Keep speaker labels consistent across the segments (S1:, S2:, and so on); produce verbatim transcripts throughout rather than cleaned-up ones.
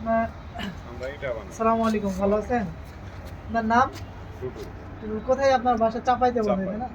S1: আপনার আসসালামু আলাইকুম, ভালো আছেন? আপনার নাম? কোথায় আপনার বাসা? চাপাইতে বলে না?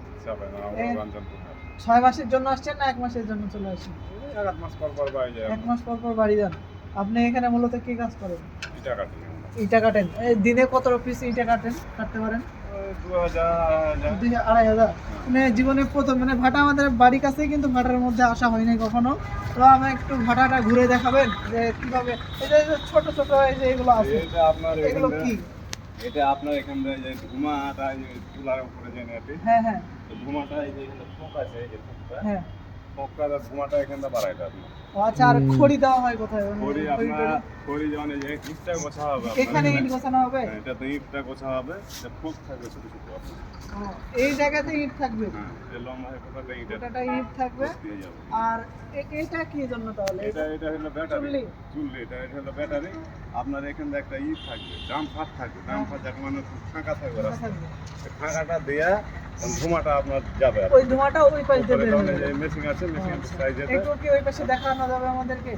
S1: ছয় মাসের জন্য আসছেন না এক মাসের জন্য চলে আসেন?
S2: এক মাস পর পর বাড়ি যায়।
S1: এক মাস পর পর বাড়ি যান। আপনি এখানে মূলত কি কাজ করেন?
S2: ইটা কাটি।
S1: ইটা কাটেন। এই দিনে কত পিস ইটা কাটেন কাটতে পারেন?
S2: দুই হাজার
S1: দুই আড়াই হাজার। মানে জীবনে প্রথম, মানে ভাটা আমাদের বাড়ির কাছেই, কিন্তু ভাটার মধ্যে আসা হয়নি কখনো। তো আমি একটু ভাটাটা ঘুরে দেখাবেন যে কিভাবে এই যে ছোট ছোট এই যে এগুলো আছে,
S2: এটা আপনার
S1: এগুলো কি?
S2: এটা আপনার এখান থেকে যে ধুমাটা এই যে চুলার উপরে যে নেটে,
S1: হ্যাঁ হ্যাঁ
S2: তো ধুমাটা এই যে এখানে ফোক আছে, এই যে ফোকটা,
S1: হ্যাঁ।
S2: ফোকটা আর ধুমাটা এখানটা বাড়াইটা আপনার।
S1: ও আচ্ছা, আর খড়ি দেওয়া হয় কোথায়? মানে
S2: খড়ি
S1: খড়ি
S2: আপনার
S1: টড়ি?
S2: খড়ি যেমন এই যে ইটটা গোছা হবে আপনার
S1: এখানে ইট গোছানো হবে?
S2: হ্যাঁ, এটা তো ইটটা গোছা হবে, এটা ফোক থাকবে ছোট ছোট আপনার।
S1: ও, এই জায়গাতে ইট থাকবে?
S2: হ্যাঁ, এই লম্বা হয়ে ফোকটা ইটটা
S1: গোটাটা ইট থাকবে।
S2: দিয়ে যাবে।
S1: আর এ- এটা কি জন্য তাহলে?
S2: এটা এটা হলো ব্যাটারি,
S1: চুল্লি?
S2: চুল্লি, এটা এটা হলো ব্যাটারি। আপনার এখানে একটা ই থাকবে, ড্রাম ফাট থাকবে, ড্রাম ফাট যাকে মানে ফাঁকা থাকবে
S1: এটা
S2: রাস্তা,
S1: থাকবে।
S2: এই ফাঁকাটা দেয়া ধুমাটা আপনার যাবে আর
S1: ওই ধোঁয়াটা ওই পাশ দিয়ে বের হবে।
S2: মেশিন আছে, মেশিন
S1: আচ্ছা।
S2: সাইজে
S1: একটু কি ওই পাশে দেখানো যাবে আমাদেরকে?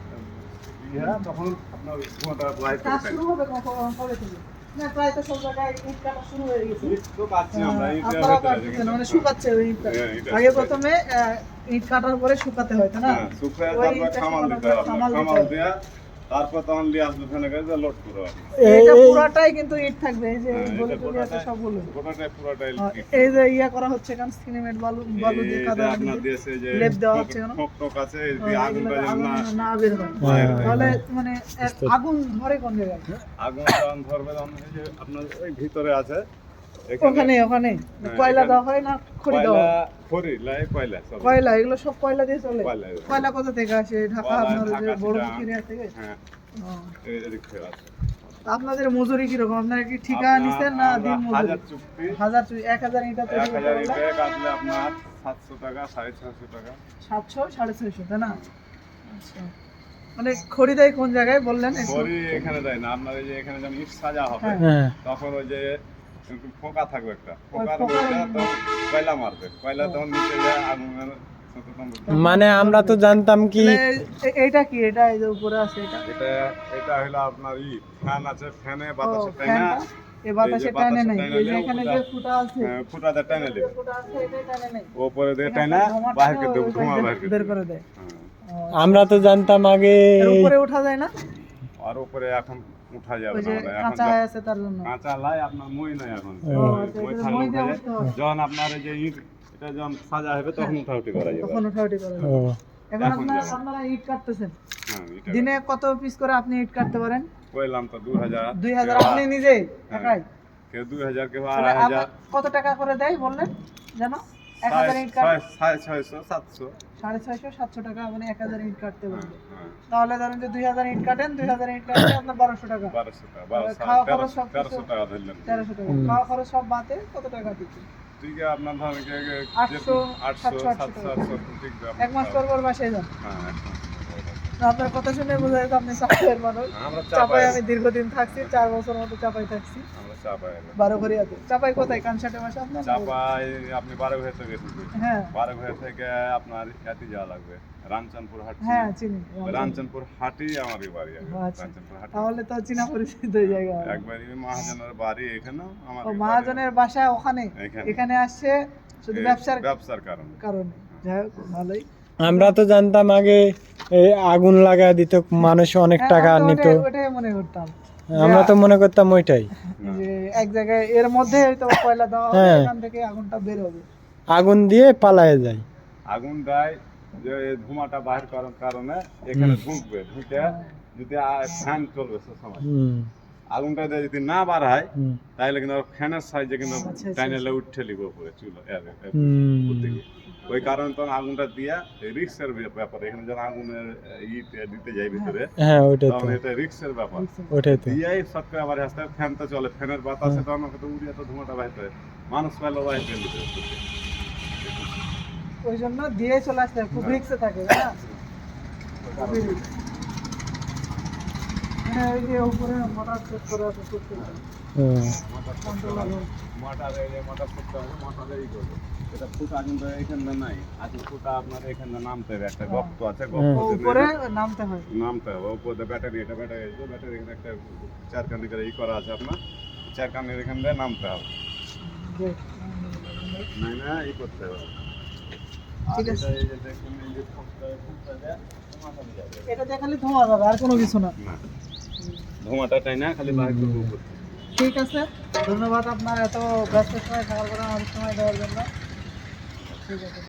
S2: ইয়া তখন আপনার ধুমাটা বাইরে
S1: কাজ
S2: করে
S1: শুরু হবে কখন, কবে থেকে? না, প্রায় তো সব জায়গায় ইট কাটা শুরু হয়ে গেছে।
S2: ইট তো কাটছি আমরা, ইট
S1: আপনারা কাটতেছেন, মানে শুকাচ্ছে ওই ইটটা।
S2: হ্যাঁ, ইটটা
S1: আগে
S2: শুকাচ্ছে।
S1: প্রথমে আহ, ইট কাটার পরে শুকাতে হয়, তাই না?
S2: হ্যাঁ, শুকায়
S1: ওই
S2: তারপর
S1: ইটটা
S2: খামাল
S1: শুকানোর
S2: দিতে
S1: পরে
S2: হবে,
S1: খামাল দিতে
S2: খামাল
S1: হবে।
S2: দেয়া তারপর তখন নিয়ে আসবে ফেনে করে লোড করে আপনি।
S1: এটা পুরাটাই কিন্তু ইট থাকবে, এই যে
S2: হ্যাঁ,
S1: গলি
S2: এটা
S1: টলি আছে
S2: গোটাটাই-
S1: সবগুলো।
S2: গোটাটাই পুরোটাই
S1: আর
S2: ইট।
S1: এই যে ইয়া করা হচ্ছে কারণ সিমেন্ট বালু বালু দিয়ে
S2: এই
S1: কাদা
S2: যে আপনার
S1: দিয়ে
S2: দেশে যে
S1: লেপ দেওয়া হচ্ছে কেন?
S2: ঠোক টোক আছে, এই
S1: ও,
S2: দিয়ে
S1: এগুলো
S2: আগুনটা যেন
S1: আগুন
S2: না
S1: না বের হয়।
S2: বাইরে হয়।
S1: তাহলে মানে এর আগুন ধরে কোন জায়গায়?
S2: আগুন যখন ধরবে তখন এই যে আপনার ওই ভিতরে আছে,
S1: ওখানে ওখানে কয়লা
S2: এখানে-
S1: দেওয়া হয় না খড়ি দেওয়া
S2: কয়লা,
S1: হয়?
S2: খড়ি, লাই কয়লা সব।
S1: কয়লা, এগুলো সব কয়লা দিয়ে চলে?
S2: কয়লা।
S1: কয়লা কোথা থেকে আসে? ঢাকা
S2: কয়লা,
S1: আপনার ওই যে
S2: ঢাকা,
S1: বড়
S2: চিটাগাং।
S1: পুকুরিয়া থেকে?
S2: হ্যাঁ,
S1: ও।
S2: এই এদিক থেকে আছে।
S1: তা আপনাদের মজুরি কিরকম? আপনারা কি ঠিকা
S2: আপনার-
S1: নিছেন না
S2: আমরা
S1: দিন মজুরি?
S2: হাজার চুক্তি,
S1: হাজার চুই- এক হাজার ইটা তৈরি
S2: এক
S1: করতে
S2: হাজার
S1: পারলে
S2: ইটে কাটলে আপনার সাতশো টাকা, সাড়ে ছশো টাকা।
S1: সাতশো সাড়ে ছয়শো, তাই না? আচ্ছা, মানে খড়ি দেয় কোন জায়গায় বললেন একটু?
S2: খড়ি এখানে দেয় না, আপনার এই যে এখানে যখন ইট সাজা হবে
S1: হ্যাঁ।
S2: তখন ওই যে একটু ফোকা থাকবে একটা, ফোকার
S1: ফোকার-
S2: মধ্যে তখন কয়লা মারবে, কয়লা তখন নিচে যায় আগুনের সাথে তখন-
S3: মানে আমরা তো জানতাম কি
S1: তাহলে এ- এইটা কি? এটা এই যে উপরে আছে এটা?
S2: এটা এটা হলো আপনার ই ফ্যান আছে, ফ্যানে
S1: ও,
S2: বাতাসে টানা,
S1: ফ্যানটা এ বাতাসে
S2: এই যে
S1: টানে
S2: বাতাসে
S1: নেই,
S2: টানে
S1: এই যে
S2: নিয়ে
S1: এখানে
S2: ওটা-
S1: যে ফুটা আছে,
S2: হ্যাঁ, ফুটাতে টানে
S1: যে
S2: নেবে,
S1: ফুটা আছে এটাই টানে নেই।
S2: উপরে দিয়ে
S1: এখান
S2: টানা
S1: থেকে ধোঁয়াটা
S2: বাহির করে
S1: ওই
S2: দেবো,
S1: পাশ
S2: ধোঁয়া
S1: দিয়ে
S2: বাহির করে
S1: বের
S2: দেবো।
S1: করে দেয়।
S2: হ্যাঁ।
S1: ও,
S3: আমরা তো জানতাম আগে
S1: এর উপরে ওঠা যায় না?
S2: আর উপরে এখন উঠা যাবে
S1: ওই
S2: না,
S1: যে
S2: মানে এখন
S1: কাঁচা
S2: যা-
S1: আছে তার জন্য।
S2: কাঁচা লাই আপনার মই নাই এখন,
S3: ও,
S1: আচ্ছা,
S2: মই
S1: এটা
S2: থাকলে
S1: মই
S2: উঠা
S1: দিয়ে
S2: যায়।
S1: উঠতে হয়।
S2: যখন আপনার এই যে ইট এটা যখন সাজা হবে তখন উঠাউঠি করা যাবে।
S1: তখন উঠাউঠি করে
S3: ও,
S1: এখন
S2: এখন
S1: আপনারা
S2: যাবে।
S1: আপনারা ইট কাটতেছেন
S2: হ্যাঁ, এটা
S1: দিনে কত পিস করে আপনি ইট কাটতে পারেন?
S2: কইলাম তো দুই হাজার,
S1: দুই হাজার আপনি নিজে একাই?
S2: কেউ দুই হাজার, কেউ
S1: তাহলে
S2: আড়াই হাজার,
S1: আপনার কত টাকা করে দেয় বললেন জানো? এক
S2: সাড়ে
S1: হাজার ইট কাট
S2: ছয়- সাড়ে ছয়শো, সাতশো।
S1: সাড়ে ছয়শো সাতশো টাকা, মানে এক হাজার ইট কাটতে
S2: হ্যাঁ,
S1: পারবে।
S2: হ্যাঁ,
S1: তাহলে ধরেন যে দুই হাজার ইট কাটেন, দুই হাজার ইট কাটলে আপনার বারোশো টাকা,
S2: বারোশো টাকা, বারোশো,
S1: খাওয়া খরচ
S2: তেরোশো,
S1: সব
S2: তেরোশো
S1: কিছু-
S2: টাকা ধরলেন।
S1: তেরোশো টাকা
S3: হুম।
S1: খাওয়া খরচ সব বাদে কত টাকা দিচ্ছে?
S2: ঠিক আছে, আপনার ধরেন কি আগে
S1: আটশো,
S2: আটশো,
S1: সাতশো, আটশো
S2: সাতশো,
S1: টাকা।
S2: আটশো, ঠিক আছে,
S1: এক মাস পর পর বাসায় যান।
S2: হ্যাঁ, এক মাস পর পর।
S1: তো আপনার কথা শুনে বোঝা যায় আপনি চাপাইয়ের মানুষ।
S2: আমরা
S1: চাপাই
S2: চাপাই,
S1: আমি দীর্ঘদিন থাকছি, চার বছর মতো চাপাই থাকছি।
S2: আমরা চাপাই।
S1: বারো ঘরিয়াতে। চাপাই কোথায়? কানসাটে বাসা আপনার?
S2: চাপাই আপনি বারো ঘর থেকে গেছেন,
S1: হ্যাঁ
S2: বারো ঘর থেকে আপনার ইয়াতে যাওয়া লাগবে, রামচন্দ্রপুর হাট।
S1: হ্যাঁ চিনি।
S2: রামচন্দ্রপুর হাটই আমারই বাড়ি,
S1: আচ্ছা।
S2: রামচন্দ্রপুর হাট।
S1: তাহলে তো চীনা পরিচিত ওই জায়গা।
S2: একবারই মহাজনের বাড়ি এখানেও আমার
S1: ও, মহাজনের বাসা ওখানে?
S2: এখানে।
S1: এখানে আসছে শুধু ব্যবসার
S2: ব্যবসার কারণে।
S1: কারণে। যাই হোক, ভালোই।
S3: আমরা তো জানতাম আগে এই আগুন লাগা দিত, মানুষ অনেক
S1: হ্যাঁ,
S3: টাকা
S1: আমি তো
S3: নিত।
S1: ওটাই- ওটাই মনে করতাম
S3: আমরা তো মনে করতাম ওইটাই
S1: যে এক জায়গায় এর মধ্যে হয়তো কয়লা দেওয়া হবে,
S3: হ্যাঁ।
S1: এখান থেকে আগুনটা বের হবে।
S3: আগুন দিয়ে পালায়ে যায়।
S2: আগুন দেয় যে এই ধোঁয়াটা বাহির করার কারণে এখানে ঢুকবে, ঢুকে যদি ফ্যান চলবে সে সময়
S3: হুম,
S2: আগুনটা দিয়ে যদি না বাড়ায়
S3: হুম,
S2: তাহলে কিন্তু ফ্যানের সাইজে কিন্তু
S1: আচ্ছা, আচ্ছা,
S2: টাইনেলে উঠে লিখবে উপরে চুলো এর- এর-
S3: হুম।
S2: উপর থেকে। ওই কারণে তখন আগুনটা দিয়া রিক্সের ব্যাপার, এখানে যখন আগুনের ইট দিতে যাই ভিতরে
S3: হ্যাঁ ওইটাই তো,
S2: তখন এটা রিক্সের ব্যাপার।
S3: ওইটাই তো।
S2: দিয়াই শর্ট করে আবার আসতে ফ্যান তো চলে, ফ্যানের বাতাসে তখন ওকে তো উড়িয়ে তো ধোঁয়াটা বাহির করে, মানুষ পাইলে বাহির করে দিতে হবে।
S1: ওই জন্য দিয়ে চলে আসতে হয়, খুব রিক্সে থাকে, তাই না? খুবই risk। হ্যাঁ এই যে উপরে মোটর সেট করে আছে করতে হবে।
S3: হুম।
S2: মোটর
S1: কন্ট্রোলার
S2: মোটর এই যে মোটর করতে হবে মোটর এই করবে এটা ফুটা কিন্তু এখানে নাই আজকে ফুটা আপনার এখানে নামতে হবে একটা গর্ত আছে
S1: ও
S2: গর্ত
S1: উপরে নামতে হয়।
S2: নামতে হবে উপরে ব্যাটারি এটা ব্যাটারি এই যে ব্যাটারি এখানে একটা চার কানি করে ই করা আছে আপনার চার কানির এখান দিয়ে নামতে হবে
S1: যে,
S2: নাই না ই করতে হবে
S1: ঠিক
S2: আর
S1: আছে।
S2: এটা এই যে দেখুন এই যে ফুটটা ফুটটা দেয় ধোঁয়াটা দিয়ে যাবে
S1: এটা দিয়ে খালি ধোঁয়া যাবে আর কোনো কিছু না।
S2: না ধোঁয়াটা তাই না খালি বাইরে করবো উপর থেকে।
S1: ঠিক আছে, ধন্যবাদ আপনার এত ব্যস্ত সময় থাকার পরে আমাদের সময় দেওয়ার জন্য। ঠিক আছে।